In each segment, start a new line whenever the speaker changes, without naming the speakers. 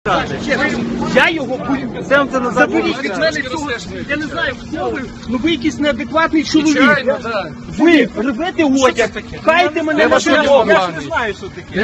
Я його заберіть від мене цього. Я не знаю, хто ви, ну ви якийсь неадекватний чоловік. Ви рвете одяг, кайте мене на дорогу. Я ж не знаю, що таке.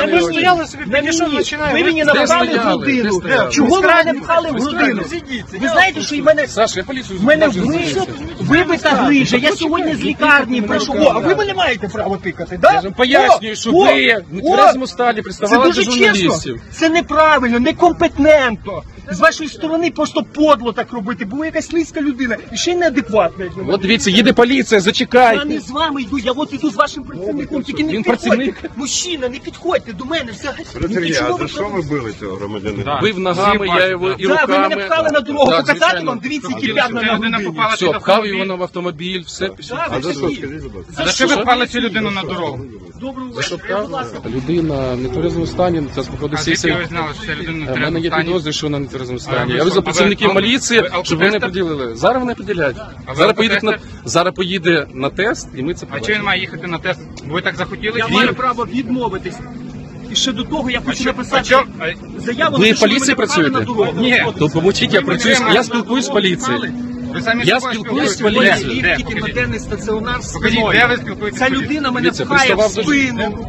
Ви мені напхали в грудину. Чого ви мене пхали в грудину? Ви знаєте, що в мене вибита грижа. Я сьогодні з лікарні прийшов. А ви мене маєте право тикати, так?
Я вам пояснюю, що ви в нетверезому стані приставали до журналістів.
Це неправильно, некомпетентно. З вашої сторони просто подло так робити, бо ви якась низька людина і ще й неадекватна.
От дивіться, їде поліція,
Я
зачекайте.
не з вами йду, я от іду з вашим працівником, тільки не
Він
підходьте.
працівник?
Мужчина, не підходьте до мене взагалі.
Сергій, а за що ви били цього громадянина?
Бив ногами, я його і
Так, ви
руками.
мене пхали на дорогу,
Так,
показати
звичайно.
вам, дивіться, які п'ятна на грудині.
Все, пхав його в автомобіль, все.
Так,
А за що,
скажіть.
скажіть, будь ласка?
За
За що ви пхали цю людину на дорогу?
Доброго вечора, будь ласка.
Людина в нетверезому стані, це
А
знаходиться.
звідки ви знали, що ця людина
У
в
мене є
стані?
підозри, що вона в нетверезому
А
стані.
ви
Я
що,
визвав працівників
ви
поліції,
алкотестер?
щоб вони приділили. Зараз вони приділяють. Зараз поїде на тест, і ми це
А чого він
побачимо.
має їхати на тест? Ви так захотіли?
Я
чи
маю
ні?
право відмовитись. І ще до того я хочу
А
написати
чо-
заяву,
Ви
на те,
в
що
поліції
мене пхали на
працюєте?
дорогу.
Ні.
То помовчіть, я працюю, я спілкуюсь з поліцією.
Ви самі
Я
з собою
спілкуюсь з
спілкуєтесь?
поліцією.
Де?
Тільки на
Покажіть.
денний стаціонар
Покажіть,
спиною.
де ви спілкуєтесь
Ця
з поліцією?
людина мене
Дивіться,
пхає в
приставав до
спину.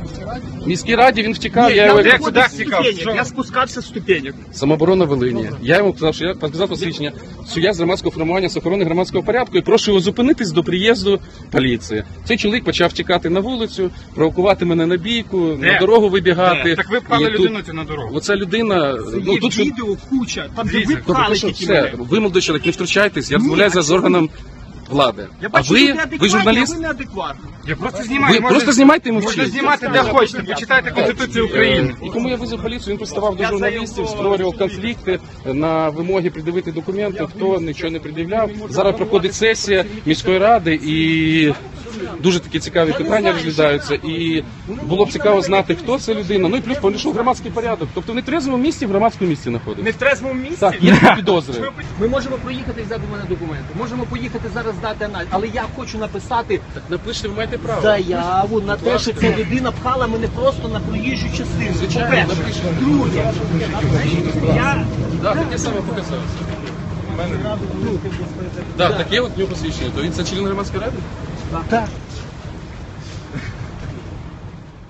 В міській раді він втікав,
Ні,
я
я
його
виходив
куди
з
втікав?
ступенек,
Що?
я спускався з ступенек.
самооборона Волині. Я йому сказав, що я показав посвідчення, що я з громадського формування з охорони громадського порядку і прошу його зупинитись до приїзду поліції. Цей чоловік почав тікати на вулицю, провокувати мене на бійку,
Де?
на дорогу вибігати.
Так ви пхали
І тут-
людину цю на дорогу.
Оця людина, ну
Є
тут
відео куча, там де ви
Дивіться,
пхали
Тобто, що
тільки
все,
мене.
ви, молодий чоловік, не втручайтесь, я
Ні,
розмовляю
а
з органом влади.
Я
А
бачу, ви
ви
неадекватні,
журналіст?
а ви неадекватні.
Я просто знімаю.
Ви
можна-
просто знімайте і мовчіть.
Можна знімати де хочете, почитайте Конституцію України.
І кому я визвав поліцію, він приставав до
Я
журналістів,
заяву-
створював конфлікти на вимоги пред'явити документи, хто нічого не пред'являв. Зараз проходить сесія міської ради і дуже такі цікаві питання розглядаються. І було б цікаво знати, хто це людина. Ну і плюс порушив громадський порядок. Тобто в нетрезвому місці в громадському місці
Не
знаходиться.
в трезвому місці?
Так, є такі підозри.
Ми можемо проїхати і взяти у мене документи. Можемо поїхати зараз здати аналіз. Але я хочу написати
Так напишіть, ви маєте право.
заяву на те, що ця людина пхала мене просто на проїжджу частину.
Звичайно,
По-перше.
напишемо.
Друге, я
Так, таке саме показалося. Так, таке от в нього посвідчення. То він це член громадської ради?
так.